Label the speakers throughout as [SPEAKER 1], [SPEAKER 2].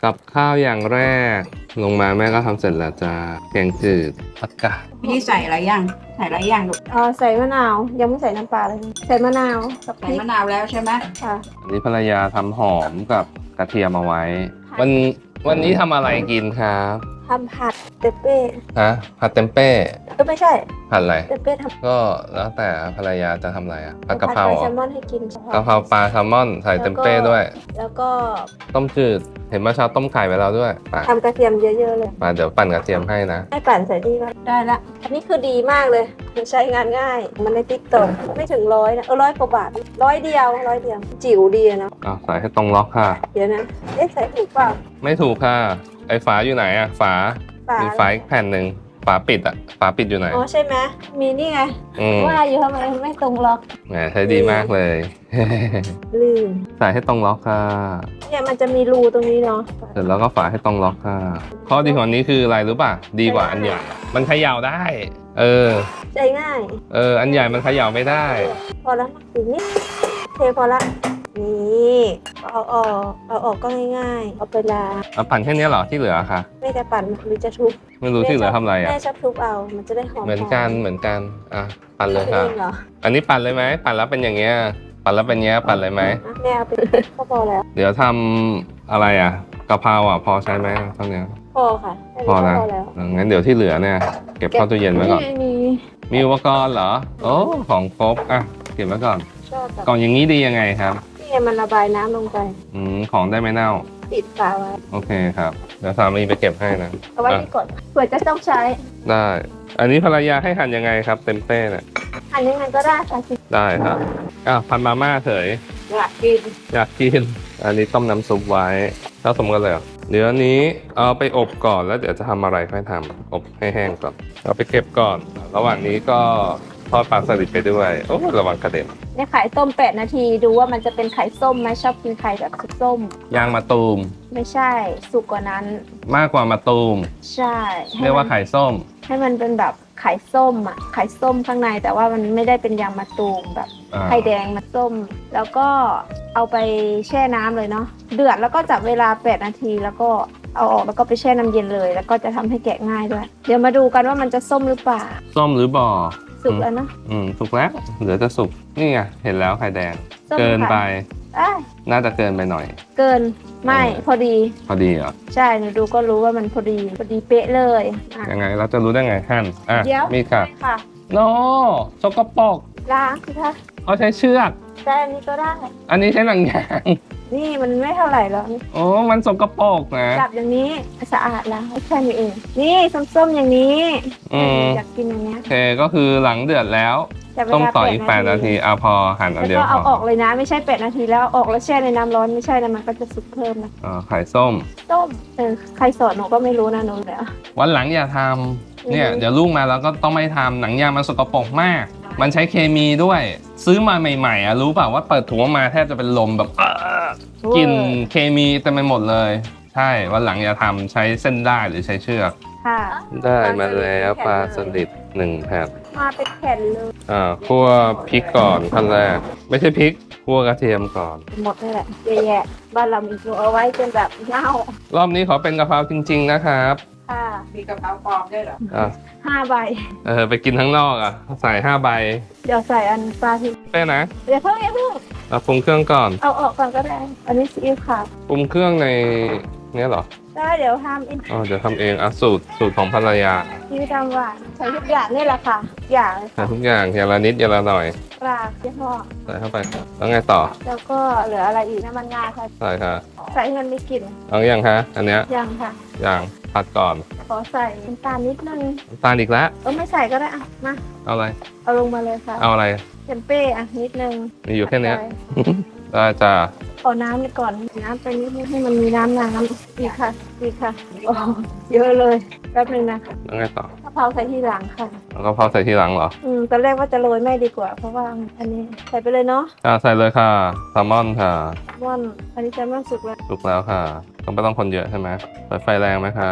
[SPEAKER 1] กับข้าวอย่างแรกลงมาแม่ก็ทำเสร็จแล้วจ้าแกงจืดผักกาด
[SPEAKER 2] พี่ใส่อะไรยังใส่อะไรยังลูก
[SPEAKER 3] ใส่มะนาวยังไม่ใส่น้ำปลาเลยใส่มะนาวกับพ
[SPEAKER 2] ใส่
[SPEAKER 3] ริก
[SPEAKER 2] มะนาวแล้วใช่ไหม
[SPEAKER 3] ค่ะ
[SPEAKER 1] อันนี้ภรรยาทำหอมกับกระเทียมเอาไว้ วันนี้ทำอะไรกินครับ
[SPEAKER 3] ทำผัดเตเป้
[SPEAKER 1] ฮะผัดเต็มเป้
[SPEAKER 3] ไม่ใช่
[SPEAKER 1] ผัดอะไร
[SPEAKER 3] เตเป้ทำ
[SPEAKER 1] ก็แล้วแต่ภรรยาจะทำอะไรอะผัดกะเพรา
[SPEAKER 3] ผัด
[SPEAKER 1] เหร
[SPEAKER 3] แซ
[SPEAKER 1] อ
[SPEAKER 3] ลมอนให้กิน
[SPEAKER 1] กะเพราปลาแซลมอนใส่เต็มเป้ด้วย
[SPEAKER 3] แล้วก็
[SPEAKER 1] ต้มจืดเห็นเมื่อเช้าต้มไข่ไว้แล้วด้วยไป
[SPEAKER 3] ทำกระเทียมเยอะๆเลย
[SPEAKER 1] มาเดี๋ยวปั่นกระเทียมให้นะ
[SPEAKER 3] ให้ปั่นใส่นี่ก็ได้ละอันนี้คือดีมากเลยมันใช้งานง่าย มันในติ๊กต็อกไม่ถึง100นะ100 กว่าบาท100 เดียวจิ๋วดีอะเนาะ
[SPEAKER 1] ใส่ให้ตรงล็อกค่ะ
[SPEAKER 3] เดี๋ยวนะใส่ถูกเปล่า
[SPEAKER 1] ไม่ถูกค่ะไอ้ฝาอยู่ไหนอะฝา
[SPEAKER 3] ฝา
[SPEAKER 1] มีฝาอีกแผ่นหนึ่งฝาปิดอะฝาปิดอยู่ไหน
[SPEAKER 3] อ๋อใช่ไหมมีนี่ไง
[SPEAKER 1] อืม
[SPEAKER 3] ว่าอยู่ทำไมไม่ตรงล็อก
[SPEAKER 1] แหมใช้ดีมากเลย
[SPEAKER 3] ลืม
[SPEAKER 1] ใส่ให้ตรงล็อกค่ะ
[SPEAKER 3] เนี่ยมันจะมีรูตรงนี้เนาะ
[SPEAKER 1] เสร็จแล้วก็ฝาให้ตรงล็อกค่ะข้อดีของอันนี้คืออะไรรู้ป่ะดีกว่าอันใหญ่มันเขย่าได้
[SPEAKER 3] ใจง่าย
[SPEAKER 1] อันใหญ่มันเขย่าไม่ได้
[SPEAKER 3] พอแล้วนะอีกนิดเทพอละนี่เอาออกก็ง่ายๆเอาไปล้าง
[SPEAKER 1] เอาปั่นแค่นี้เหรอที่เหลือค่ะ
[SPEAKER 3] แม่จะปั่นหรือจะทุบ
[SPEAKER 1] ไม่รู้ที่เหลือทำอะไรอะ
[SPEAKER 3] แม่ชอบทุบเอามันจะได้หอม
[SPEAKER 1] เหมือนกันอ่ะปั่นเลยค่ะ
[SPEAKER 3] เองเหรอ
[SPEAKER 1] อันนี้ปั่นเลยไหมปั่นแล้วเป็นอย่างเงี้ยปั่นแล้วเป็นเงี้ยปั่นเลยไหม
[SPEAKER 3] อ่ะแม่เอาไปก็พอแล้ว
[SPEAKER 1] เดี๋ยวทำอะไรอ่ะกะเพราอ่ะพอใช้ไหมเท่านี้
[SPEAKER 3] พอค่ะ
[SPEAKER 1] พอนะ
[SPEAKER 3] แล้ว
[SPEAKER 1] งั้นเดี๋ยวที่เหลือเนี่ยเก็บเข้าตู้เย็นไว้ก่อน
[SPEAKER 3] มี
[SPEAKER 1] มีอุปกรณ์เหรอโอ้ของครบอ่ะเก็บไว้ก่อน
[SPEAKER 3] ชอบแบบ
[SPEAKER 1] กล่องอย่างนี้ดียังไงครับ
[SPEAKER 3] นี่ไงมันระบายน้ำลงไป
[SPEAKER 1] ของได้ไม่เน่า
[SPEAKER 3] ปิดฝาไว้
[SPEAKER 1] โอเคครับเดี๋ยวสามีไปเก็บให้นะ
[SPEAKER 3] เอาไว้ที่กดเผื่อจะต้องใช้
[SPEAKER 1] ได้ อันนี้ภรรยาให้หั่นยังไงครับเต็มเป้เนี่ย
[SPEAKER 3] อันนี้มันก็ได้ค่ะ
[SPEAKER 1] ได้ครับพันมาม่าเฉย
[SPEAKER 2] อยากกิน
[SPEAKER 1] อยากกิน อันนี้ต้มน้ำซุปไว้ผสมกันเลยเหรอเดี๋ยวอันนี้เอาไปอบก่อนแล้วเดี๋ยวจะทำอะไรค่อยทำอบให้แห้งก่อนเอาไปเก็บก่อน ระหว่างนี้ก็ทอดปลาสลิดไปด้วยโอ้ระวังกระเด็น
[SPEAKER 3] ในไข่ต้ม8 นาทีดูว่ามันจะเป็นไข่ส้มไหมชอบกินไข่แบบส้ม
[SPEAKER 1] ยางมะตูม
[SPEAKER 3] ไม่ใช่สุกกว่านั้น
[SPEAKER 1] มากกว่ามะตูม
[SPEAKER 3] ใช่
[SPEAKER 1] เรียกว่าไข่ส้ม
[SPEAKER 3] ให้มันเป็นแบบไข่ส้มอ่ะไข่ส้มข้างในแต่ว่ามันไม่ได้เป็นยางมะตูมแบบ ไข่แดงมาส้ม แล้วก็เอาไปแช่น้ำเลยเนาะเดือดแล้วก็จับเวลา8 นาทีแล้วก็เอาออกแล้วก็ไปแช่น้ำเย็นเลย แล้วก็จะทำให้แกะง่ายด้วย เดี๋ยวมาดูกันว่ามันจะส้มหรือเปล่า
[SPEAKER 1] ส้มหรือบ่อ
[SPEAKER 3] สุกแล้วเนาะ
[SPEAKER 1] สุกแล้วเหลือจะสุกนี่ไงเห็นแล้วไข่แดง
[SPEAKER 3] ส้ม
[SPEAKER 1] เกินไป
[SPEAKER 3] ค่ะ
[SPEAKER 1] น่าจะเกินไปหน่อย
[SPEAKER 3] เกินไม่พอดี
[SPEAKER 1] พอดีเหรอ
[SPEAKER 3] ใช่หนูดูก็รู้ว่ามันพอดีเป๊ะเลยอ่ะ
[SPEAKER 1] ยังไงเราจะรู้ได้ไงหั่น
[SPEAKER 3] เดี๋ยว
[SPEAKER 1] มีค่ะ
[SPEAKER 3] ค่ะ
[SPEAKER 1] โนสกปรก
[SPEAKER 3] ล้างสิคะ
[SPEAKER 1] เขาใช้เชือก
[SPEAKER 3] แต่อันนี้ก็ได้
[SPEAKER 1] อันนี้ใช้หนังยาง
[SPEAKER 3] นี่มันไม่เท่าไหร่หรอก
[SPEAKER 1] โอ้มันสกปรกนะ
[SPEAKER 3] จับอย่างนี้สะอาดแล้วแค่นี้เอง นี่ส้มๆอย่างนี้ อยากกินอย่างเงี้ย
[SPEAKER 1] โอเคก็คือหลังเดือดแล้ว
[SPEAKER 3] จับเวลา
[SPEAKER 1] ต้มต่ออีก8 นาทีพอหั่นอั
[SPEAKER 3] แล้
[SPEAKER 1] น
[SPEAKER 3] ว
[SPEAKER 1] เดียว
[SPEAKER 3] ก็
[SPEAKER 1] พ
[SPEAKER 3] เอาอ
[SPEAKER 1] อ
[SPEAKER 3] อกเลยนะไม่ใช่8 นาทีแล้วออกแล้วแช่ในน้ำร้อนไม่ใช่นะมันก็จะสุกเพิ่มนะ
[SPEAKER 1] ไข่ส้ม
[SPEAKER 3] ต้มใครสอนหนูก็ไม่รู้นะหนูแล้ว
[SPEAKER 1] วันหลังอย่าทำเนี่ย
[SPEAKER 3] อืม
[SPEAKER 1] เดี๋ยวลูกมาแล้วก็ต้องไม่ทำหนังยางมันสกปรกมาก มันใช้เคมีด้วย ซื้อมาใหม่ๆรู้เปล่าว่าเปิดถุงออกมาแทบจะเป็นลมแบบกลิ่นเคมีเต็มไปหมดเลย ใช่วันหลังอย่าทำใช้เส้นได้หรือใช้เชือก
[SPEAKER 3] ค่ะ
[SPEAKER 1] ได้มาแล้วปลาสลิด1 แผ่น
[SPEAKER 3] มาเป็นแผ่นเลย
[SPEAKER 1] คั่วพริกก่อนขั้นแรก ไม่ใช่พริกคั่วกระเทียมก่อน
[SPEAKER 3] หมดนี่แหละเยอะแยะบ้านเรามีหนูเอาไว้จนแบบเน่าร
[SPEAKER 1] อบนี้ขอเป็นกะเพราจริง ๆ นะครับ
[SPEAKER 3] ค่ะ
[SPEAKER 2] มีกะเพราปลอมด้วยเหรอ
[SPEAKER 1] อ่ะ
[SPEAKER 3] 5 ใบ
[SPEAKER 1] ไปกินข้างนอกใส่5 ใบ
[SPEAKER 3] เดี๋ยวใส่อันปลาที่
[SPEAKER 1] เป้นะ
[SPEAKER 3] เดี๋ยวเพิ่ง
[SPEAKER 1] เราปรุงเครื่องก่อน
[SPEAKER 3] เอาออกก่อนก็ได้ อันนี้ซีอิ๊วขาว
[SPEAKER 1] ปรุงเครื่องในเนี้ยเหรอ
[SPEAKER 3] ได้เดี๋ยวทำอิน
[SPEAKER 1] เดี๋ยวทำเองสูตรของภรรยา
[SPEAKER 3] ซีอิ๊วดำหวานใส่ทุกอย่างนี่แหละค่ะอย่างเลย
[SPEAKER 1] ใส่ทุกอย่างอย่างละนิดอย่างละหน่อย
[SPEAKER 3] ปลายี่ห้อ
[SPEAKER 1] ใส่เข้าไปแล้วไงต่อ
[SPEAKER 3] แล้วก็เหลืออะไรอีกน้ำมันงาค่ะ
[SPEAKER 1] ใส่ค่ะ
[SPEAKER 3] ใส่ให้มันมีกลิ่น
[SPEAKER 1] เอาอย่างคะอันเนี้ย
[SPEAKER 3] ยังค่ะ
[SPEAKER 1] อย่างผัดก่อน
[SPEAKER 3] ขอใส่น้ำตาลนิดนึง
[SPEAKER 1] น้ำตาลอีกแล้ว
[SPEAKER 3] ไม่ใส่ก็ได้อ่ะมา
[SPEAKER 1] เอาอะไร
[SPEAKER 3] เอาลงมาเลยค่ะ
[SPEAKER 1] เอาอะไร
[SPEAKER 3] เทมเป้อ่ะนิดนึง
[SPEAKER 1] มีอยู่แค่เนี้ย
[SPEAKER 3] ใส่
[SPEAKER 1] ได้จ้า
[SPEAKER 3] ขอน้ำไปก่อนน้ำไปนิดนึงให้มันมีน้ำอีกค่ะอีกค่ะโอ้เยอะเลยแป๊บนึงนะ
[SPEAKER 1] แล้วไงต่อก
[SPEAKER 3] ะเพราใส่ทีหลังค่ะ
[SPEAKER 1] แล้วก็พอใส่ทีหลังเหรอ
[SPEAKER 3] ตอนแรกว่าจะโรยไม่ดีกว่า เพราะว่าอันนี้ใส่ไปเลยเนาะ
[SPEAKER 1] ใส่เลยค่ะแซลมอนค่ะ
[SPEAKER 3] ม่อนอันนี้จะไม่สุกแล้ว
[SPEAKER 1] สุกแล้วค่ะก็ไม่ต้องคนเยอะใช่ไหมเปิดไฟแรงไหมคะ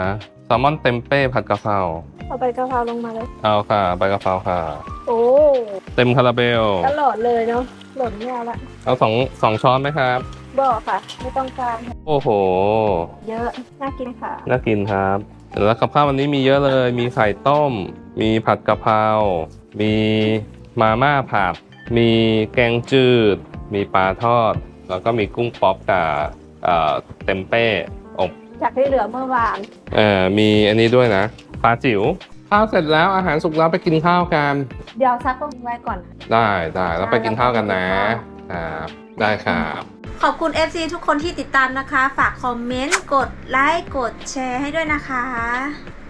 [SPEAKER 1] แซลมอนเต็มเป้ผัดกะเพรา
[SPEAKER 3] เอาใบกะเพราลงมาเลย
[SPEAKER 1] เอาค่ะใบกะเพราค่ะ
[SPEAKER 3] โอ้
[SPEAKER 1] เต็มคาราเบล
[SPEAKER 3] ตลอดเลยเนาะหล่นไม่เอาละ
[SPEAKER 1] เอาสองช้อนไหมครับ
[SPEAKER 3] บอกค่ะ ไม่ต้องการค่ะ
[SPEAKER 1] โอ้โห
[SPEAKER 3] เยอะ น่ากินค่ะ
[SPEAKER 1] น่ากินครับแล้วกับข้าววันนี้มีเยอะเลย มีไข่ต้ม มีผัดกะเพรา มีมาม่าผัด มีแกงจืด มีปลาทอด แล้วก็มีกุ้งป๊อปกับเต็มเป้อบ
[SPEAKER 3] จากที่เหลือเมื่อวาน
[SPEAKER 1] มีอันนี้ด้วยนะปลาจิ๋วข้าวเสร็จแล้วอาหารสุกแล้วไปกินข้าวกัน
[SPEAKER 3] เดี๋ยวซักก็ไว้ก่อน
[SPEAKER 1] ได้แล้วไปกินข้าวกันนะครับได้ครับ
[SPEAKER 3] ขอบคุณ FC ทุกคนที่ติดตามนะคะ ฝากคอมเมนต์ กดไลค์ กดแชร์ให้ด้วยนะคะ